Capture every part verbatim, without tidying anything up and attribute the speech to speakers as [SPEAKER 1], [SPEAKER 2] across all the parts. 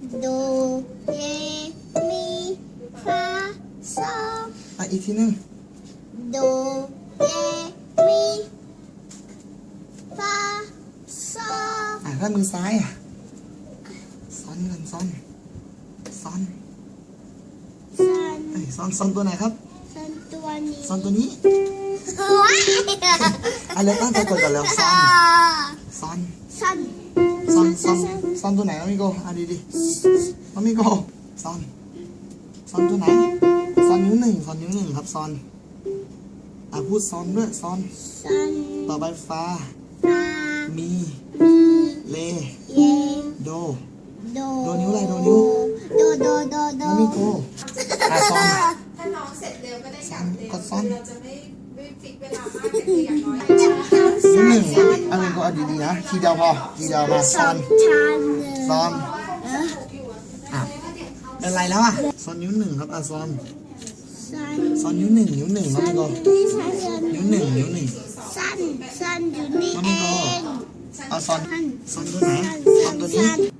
[SPEAKER 1] โดเรมีฟาโซ
[SPEAKER 2] อ่ะอีกทีหนึง
[SPEAKER 1] โดเรมีฟาโซ
[SPEAKER 2] อ่ะถ้ามือซ้ายอ่ะซ้อนกันซ้อนซ้อน
[SPEAKER 1] ซัน
[SPEAKER 2] เอ้ยซ้อนซ้อนตัวไหนครับ
[SPEAKER 1] ซันตัวนี้
[SPEAKER 2] ซ้อนตัวนี้
[SPEAKER 1] ว้าย
[SPEAKER 2] อะไรตั้งใจกดกันแล้วซ้อนซ้อน
[SPEAKER 1] ซัน
[SPEAKER 2] ซ้อนซ้อนซ้อนตัวไหนน้องมิโกอ่ะดีดีน้องมิโกซ้อนซ้อนตัวไหนซ้อนนิ้วหนึ่งซ้อนนิ้วหนึ่งครับซ้อนอ่ะพูดซ้อนด้วยซ้อน
[SPEAKER 1] ซัน
[SPEAKER 2] ต่อไปฟ้า
[SPEAKER 1] ฟา
[SPEAKER 2] มี
[SPEAKER 1] มี
[SPEAKER 2] เล
[SPEAKER 1] เย
[SPEAKER 2] โด
[SPEAKER 1] โด
[SPEAKER 2] โดนิ้วอะไรโดนิ้ว
[SPEAKER 1] โดโดโดโด
[SPEAKER 2] น้องมิโกอ่ะซ้อน
[SPEAKER 3] ถ้าน้องเสร็จเร็วก็ได้กลับเร็ว
[SPEAKER 2] กดซ้อน
[SPEAKER 3] เราจะไม่ไม่ฟิกเวลามากแต่คืออย่างน้อย
[SPEAKER 2] นิ้วหนึ่งเอามิโกเอาดีๆนะทีเดียวพอทีเดียวมาซ้อน
[SPEAKER 1] ชัน
[SPEAKER 2] ซ้อน
[SPEAKER 1] เออ
[SPEAKER 2] อ่ะเป็นไรแล้วอ่ะซ้อนนิ้วหนึ่งครับอ่ะซ้อน
[SPEAKER 1] ซัน
[SPEAKER 2] ซ้อนนิ้วหนึ่งนิ้วหนึ่งน้องมิโก
[SPEAKER 1] นี่ซัน
[SPEAKER 2] นิ้วหนึ่งนิ้วหนึ่ง
[SPEAKER 1] ซันซันอยู่นี่
[SPEAKER 2] น้อง
[SPEAKER 1] เอ
[SPEAKER 2] มิโก
[SPEAKER 1] ง
[SPEAKER 2] เอาซ้อน
[SPEAKER 1] ซัน
[SPEAKER 2] ซ้อนตัวไหนซ้อนตัวนี้
[SPEAKER 1] ซัน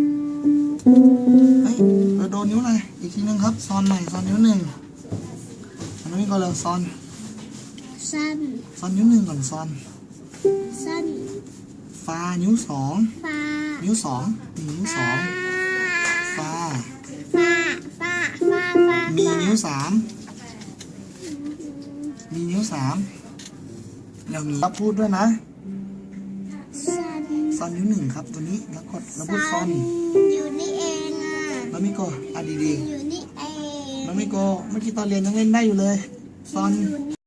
[SPEAKER 2] เฮ้ยเราโดนนิ้วอะไรอีกทีนึงครับซ้อนใหม่ซ้อนนิ้วหนึ่งอันนี้ก็เลยซ้อน
[SPEAKER 1] ซัน
[SPEAKER 2] ซ้อนนิ้วหนึ่งก่อนซ้อน
[SPEAKER 1] ซัน
[SPEAKER 2] ฟ้านิ้วสอง
[SPEAKER 1] ฟา
[SPEAKER 2] นิ้วสองมีนิ้วสองฟ้า
[SPEAKER 1] ฟาฟาฟาฟา
[SPEAKER 2] มีนิ้วสามมีนิ้วสามเรามีรับพูดด้วยนะ
[SPEAKER 1] ซัน
[SPEAKER 2] ซ้อนนิ้วหนึ่งครับตัวนี้แล้วกดแล้วพูดซ้อน
[SPEAKER 1] อยู่นี่เองอ่ะ
[SPEAKER 2] แล้วมิโกอ่ะดี
[SPEAKER 1] อยู่นี่เอง
[SPEAKER 2] ๆแล้วมิโกเมื่อกี้ตอนเรียนยังเล่นได้อยู่เลยซ้อน
[SPEAKER 1] อยู่นี่